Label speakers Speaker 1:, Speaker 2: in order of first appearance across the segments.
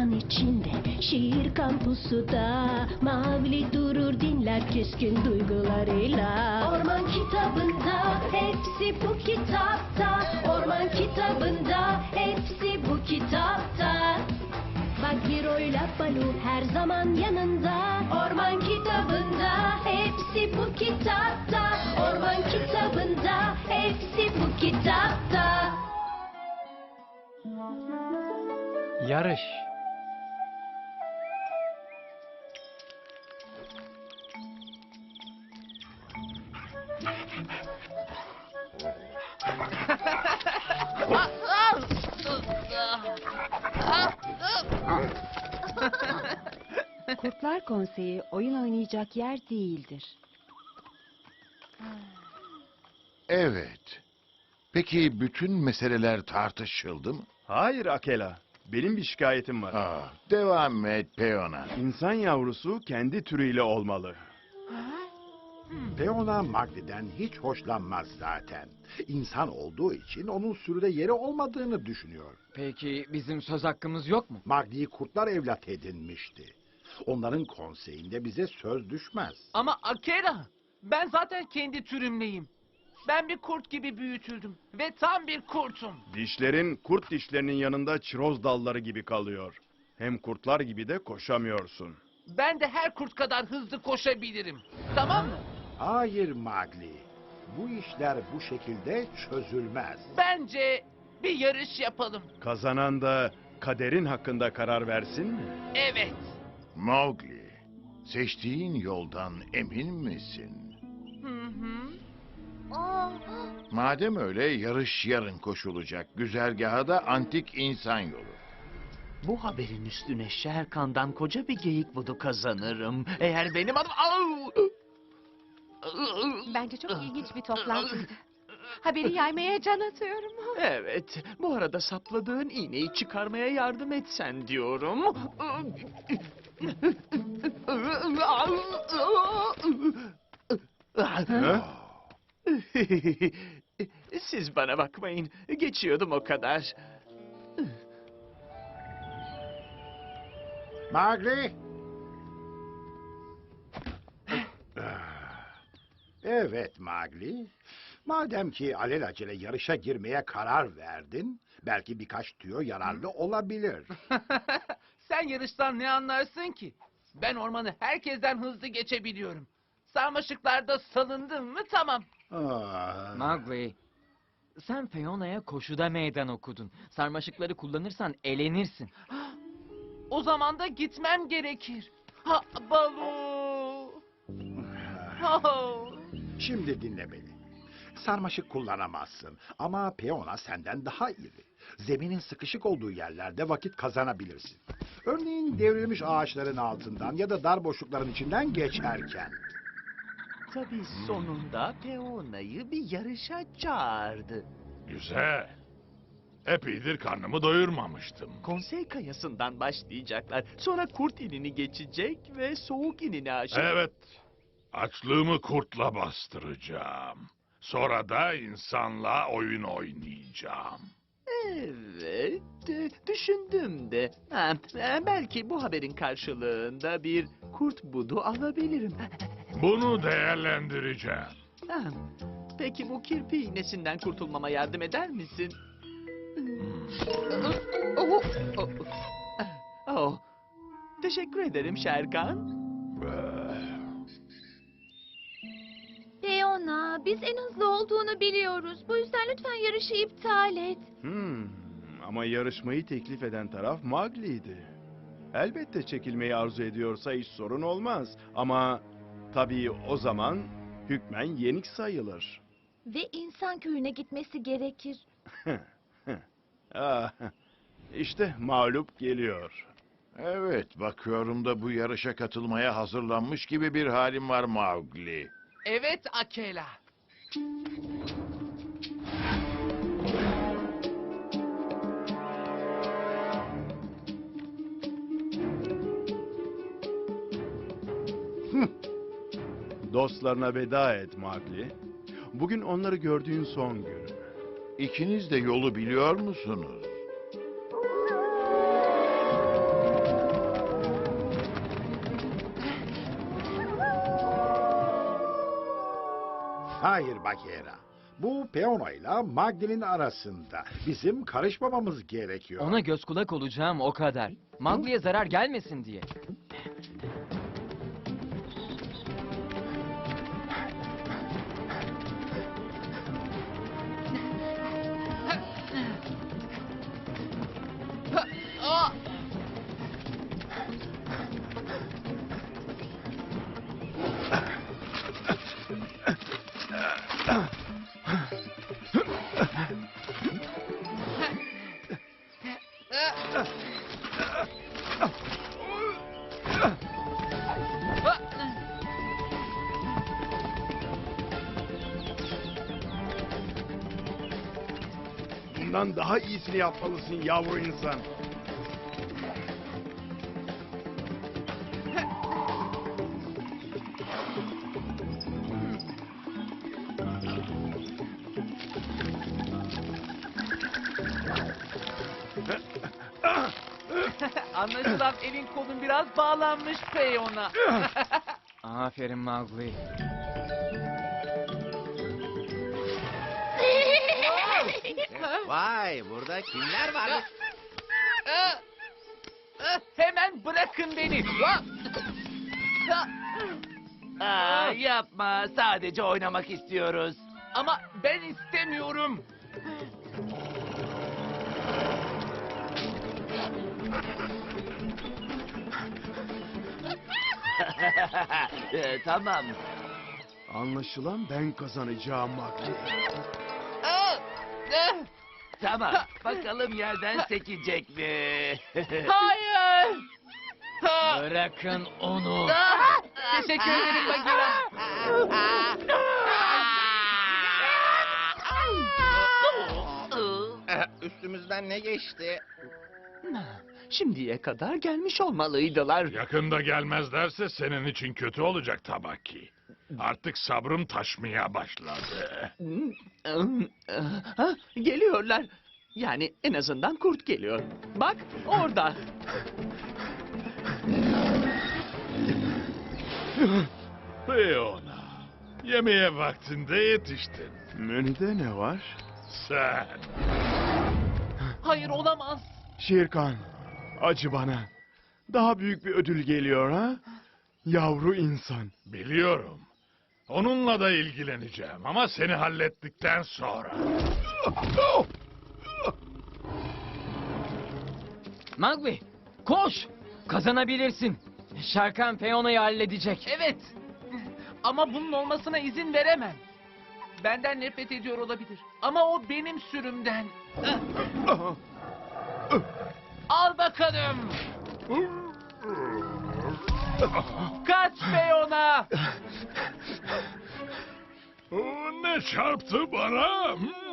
Speaker 1: orman içinde, şiir kampusu da. Mavli durur dinler keskin duygularıyla. Orman kitabında, hepsi bu kitapta. Orman kitabında, hepsi bu kitapta. Bagheero'yla Baloo her zaman yanında. Orman kitabında, hepsi bu kitapta. Orman kitabında, hepsi bu kitapta.
Speaker 2: Yarış.
Speaker 3: Kurtlar Konseyi oyun oynayacak yer değildir.
Speaker 4: Evet. Peki bütün meseleler tartışıldı mı?
Speaker 5: Hayır Akela. Benim bir şikayetim var.
Speaker 4: Devam et Peona.
Speaker 5: İnsan yavrusu kendi türüyle olmalı.
Speaker 6: Peona Mowgli'den hiç hoşlanmaz zaten. İnsan olduğu için onun sürüde yeri olmadığını düşünüyor.
Speaker 2: Peki bizim söz hakkımız yok mu?
Speaker 6: Mowgli'yi kurtlar evlat edinmişti. Onların konseyinde bize söz düşmez.
Speaker 7: Ama Akela, ben zaten kendi türümleyim. Ben bir kurt gibi büyütüldüm ve tam bir kurtum.
Speaker 5: Dişlerin kurt dişlerinin yanında çiroz dalları gibi kalıyor. Hem kurtlar gibi de koşamıyorsun.
Speaker 7: Ben de her kurt kadar hızlı koşabilirim. Tamam mı?
Speaker 6: Hayır Mowgli. Bu işler bu şekilde çözülmez.
Speaker 7: Bence bir yarış yapalım.
Speaker 5: Kazanan da kaderin hakkında karar versin mi?
Speaker 7: Evet.
Speaker 4: Mowgli, seçtiğin yoldan emin misin?
Speaker 7: Hı hı.
Speaker 4: Madem öyle yarış yarın koşulacak. Güzergaha da antik insan yolu.
Speaker 8: Bu haberin üstüne Şerkan'dan koca bir geyik budu kazanırım. Eğer benim adım... Au!
Speaker 3: Bence çok ilginç bir toplantıydı. Haberi yaymaya can atıyorum.
Speaker 8: Evet, bu arada sapladığın iğneyi çıkarmaya yardım etsen diyorum. Siz bana bakmayın, geçiyordum o kadar.
Speaker 6: Mowgli! Evet Mowgli. Madem ki alelacele yarışa girmeye karar verdin, belki birkaç tüyo yararlı olabilir.
Speaker 7: Sen yarıştan ne anlarsın ki? Ben ormanı herkesten hızlı geçebiliyorum. Sarmaşıklarda salındım mı tamam.
Speaker 2: Mowgli, sen Fiona'ya koşuda meydan okudun. Sarmaşıkları kullanırsan elenirsin.
Speaker 7: O zaman da gitmem gerekir. Ha, Baloo. Oh.
Speaker 6: Şimdi dinle beni. Sarmaşık kullanamazsın ama Peona senden daha iri. Zeminin sıkışık olduğu yerlerde vakit kazanabilirsin. Örneğin devrilmiş ağaçların altından ya da dar boşlukların içinden geçerken.
Speaker 8: Tabii sonunda Peona'yı bir yarışa çağırdı.
Speaker 9: Güzel. Epeydir karnımı doyurmamıştım.
Speaker 8: Konsey kayasından başlayacaklar. Sonra kurt inini geçecek ve soğuk inini aşıp...
Speaker 9: Evet. Açlığımı kurtla bastıracağım. Sonra da insanla oyun oynayacağım.
Speaker 8: Evet, düşündüm de. Belki bu haberin karşılığında bir kurt budu alabilirim.
Speaker 9: Bunu değerlendireceğim.
Speaker 8: Ha, Peki bu kirpi iğnesinden kurtulmama yardım eder misin? Oh, teşekkür ederim Şerkan.
Speaker 10: Leona, biz en hızlı olduğunu biliyoruz. Bu yüzden lütfen yarışı iptal et.
Speaker 5: Ama yarışmayı teklif eden taraf Mowgli'ydi. Elbette çekilmeyi arzu ediyorsa hiç sorun olmaz. Ama tabii o zaman hükmen yenik sayılır.
Speaker 10: Ve insan köyüne gitmesi gerekir.
Speaker 5: İşte mağlup geliyor.
Speaker 4: Evet, bakıyorum da bu yarışa katılmaya hazırlanmış gibi bir halim var Mowgli.
Speaker 7: Evet Akela.
Speaker 5: Dostlarına veda et Mowgli. Bugün onları gördüğün son gün.
Speaker 4: İkiniz de yolu biliyor musunuz?
Speaker 6: Hayır Bagheera. Bu Peona ile Mowgli'nin arasında. Bizim karışmamamız gerekiyor.
Speaker 2: Ona göz kulak olacağım o kadar. Mowgli'ye zarar gelmesin diye.
Speaker 5: Bundan daha iyisini yapmalısın yavru insan.
Speaker 7: Anlaşılan elin kolun biraz bağlanmış Peyona.
Speaker 2: Aferin Mowgli.
Speaker 8: Vay, burada kimler var?
Speaker 7: Hemen bırakın beni.
Speaker 8: Yapma, sadece oynamak istiyoruz.
Speaker 7: Ama ben istemiyorum.
Speaker 8: Tamam.
Speaker 5: Anlaşılan ben kazanacağım Mowgli.
Speaker 8: Tamam, bakalım yerden sekecek mi?
Speaker 7: Hayır.
Speaker 2: Bırakın onu.
Speaker 7: Teşekkür ederim Bagheera.
Speaker 8: Üstümüzden ne geçti? Şimdiye kadar gelmiş olmalıydılar.
Speaker 9: Yakında gelmezlerse senin için kötü olacak Tabaki. Artık sabrım taşmaya başladı.
Speaker 8: Ha, geliyorlar. Yani en azından kurt geliyor. Bak orada.
Speaker 9: Peona, yemeğe vaktinde yetiştin.
Speaker 5: Menüde ne var?
Speaker 9: Sen.
Speaker 7: Hayır olamaz.
Speaker 5: Şirkan, acı bana. Daha büyük bir ödül geliyor ha? Yavru insan.
Speaker 9: Biliyorum. Onunla da ilgileneceğim ama seni hallettikten sonra.
Speaker 2: Mowgli, koş! Kazanabilirsin. Sharkan Peona'yı halledecek.
Speaker 7: Evet. Ama bunun olmasına izin veremem. Benden nefret ediyor olabilir. Ama o benim sürümden. Al bakalım. Kaç Peyona.
Speaker 9: Ne çarptı bana?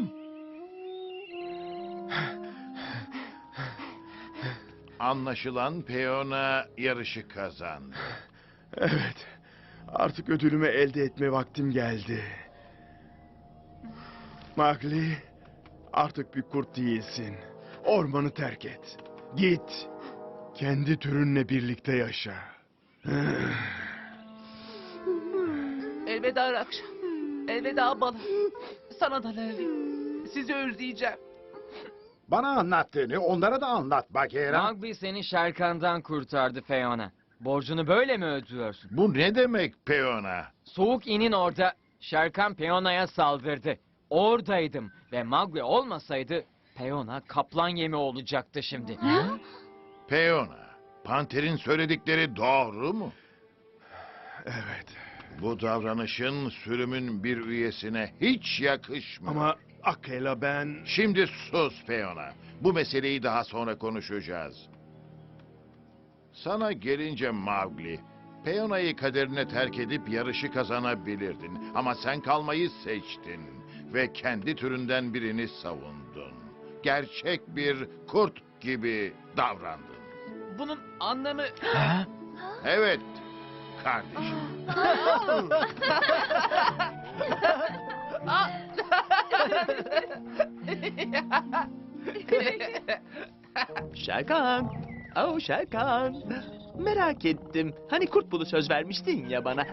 Speaker 4: Anlaşılan Peona yarışı kazandı.
Speaker 5: Evet, artık ödülümü elde etme vaktim geldi. Mowgli, artık bir kurt değilsin. Ormanı terk et. Git. Kendi türünle birlikte yaşa.
Speaker 7: Elveda Rakşa. Elveda Bala. Sana da Lali. Sizi özleyeceğim.
Speaker 6: Bana anlattığını onlara da anlat Bagheera.
Speaker 2: Mowgli seni Sharkan'dan kurtardı Peona. Borcunu böyle mi ödüyorsun?
Speaker 4: Bu ne demek Peona?
Speaker 2: Soğuk inin orada Sharkan Peona'ya saldırdı. Oradaydım ve Mowgli olmasaydı Peona kaplan yemi olacaktı şimdi.
Speaker 4: Peona, Panter'in söyledikleri doğru mu?
Speaker 5: Evet.
Speaker 4: Bu davranışın sürümün bir üyesine hiç yakışmıyor.
Speaker 5: Ama Akela ben...
Speaker 4: Şimdi sus Peona. Bu meseleyi daha sonra konuşacağız. Sana gelince Mowgli, Peona'yı kaderine terk edip yarışı kazanabilirdin. Ama sen kalmayı seçtin ve kendi türünden birini savundun. Gerçek bir kurt gibi davrandın.
Speaker 7: Bunun anlamı...
Speaker 4: Evet, kardeşim.
Speaker 8: Şerkan. Oh Şerkan. Merak ettim. Hani kurt bulu söz vermiştin ya bana.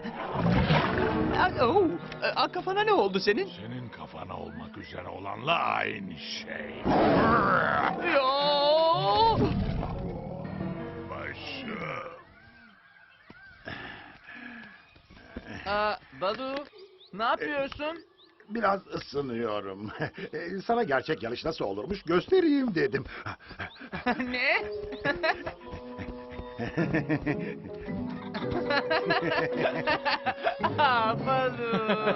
Speaker 8: Kafana ne oldu senin?
Speaker 9: Senin kafana olmak üzere olanla aynı şey.
Speaker 8: Yo!
Speaker 9: Başım.
Speaker 7: Balu, ne yapıyorsun?
Speaker 6: Biraz ısınıyorum. Sana gerçek yarış nasıl olurmuş göstereyim dedim.
Speaker 7: Ne? Balu.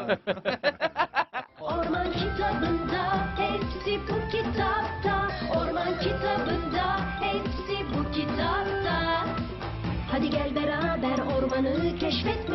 Speaker 1: Orman kitabında, hepsi bu kitapta. Orman kitabında, hepsi bu kitapta. Hadi gel beraber ormanı keşfetmeye